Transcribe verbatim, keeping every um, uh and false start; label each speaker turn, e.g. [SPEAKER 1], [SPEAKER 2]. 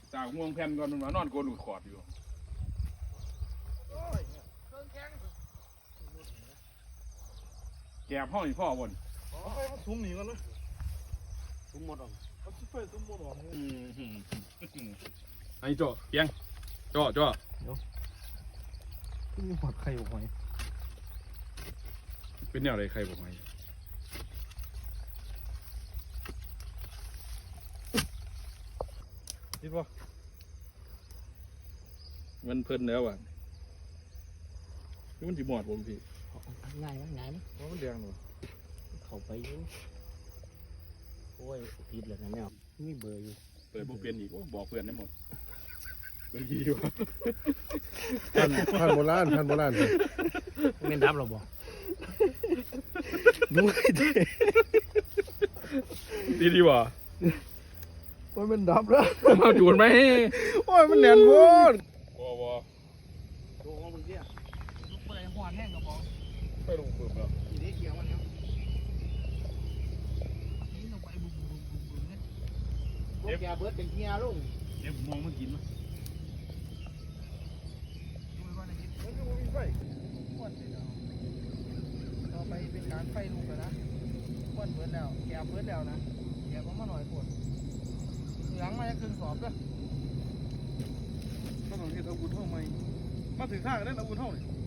[SPEAKER 1] จากง่วงแผ่นก่อนมันมานอนโกนลูกขอดอยู่แกบห้องอีพ่อบน
[SPEAKER 2] เอาไปมาซุ้มหนีกันเลย
[SPEAKER 3] ซุ้มหมดออก
[SPEAKER 2] เอาซิไปซุ้มหมดออก
[SPEAKER 1] ไอ้จ่อเพียงจ่อจ่อ
[SPEAKER 2] ขึ้นมีหอดไข่ออกไหม
[SPEAKER 1] เป็นแนวอะไรใครบอกไง
[SPEAKER 2] คิดว่า
[SPEAKER 1] มันเพลินแล้วอ่ะมันจีหมอดผมพี่
[SPEAKER 3] ง่ายมั้ยง่ายมั้ย
[SPEAKER 2] ว่ามันแดงหนู
[SPEAKER 3] เข้าไปอยู่โอ้ยผิดเลยนะแมวมีเบอร์อยู่
[SPEAKER 1] เปิดบุเปลี่ยนอีกบอกเพื่อนได้หมดเป็นยี่วะ
[SPEAKER 2] พันพันโบราณพันโบราณ
[SPEAKER 3] แม่นดับหรอบ่ดูให้ดี
[SPEAKER 1] ดีดีวะ
[SPEAKER 2] โอ้ยมันดับแล้ว
[SPEAKER 1] มาจูนไหม
[SPEAKER 2] โอ้ยมันแน่นโพด
[SPEAKER 1] วอวอ
[SPEAKER 3] ดูของมึงเนี่ยลูกเปิดหัวแห้งกับบ่
[SPEAKER 1] ไปลงปืนแล้ว
[SPEAKER 3] อีเด็กเกี่ยวมันเนี่ยนี่ลงไปบุ้มบุ้มบุ้มบุ้มเนี่ยพวกแกเบิดเป็นเฮียลุง
[SPEAKER 1] เดี๋ยวผมมองมันกินมั้ย
[SPEAKER 2] มันก็มีไฟควันเลยเนาะต่อไปเป็นการไฟลุกแล้วนะควันเบิดแล้วแกเบิดแล้วนะแกก็มาหน่อยปวดเหลืองมาจะครึ่งสอบด้วยก็ต้องเฮ็ดอาวุธเท่าไหมมาถึงข้างนั้นอาวุธเท่านี่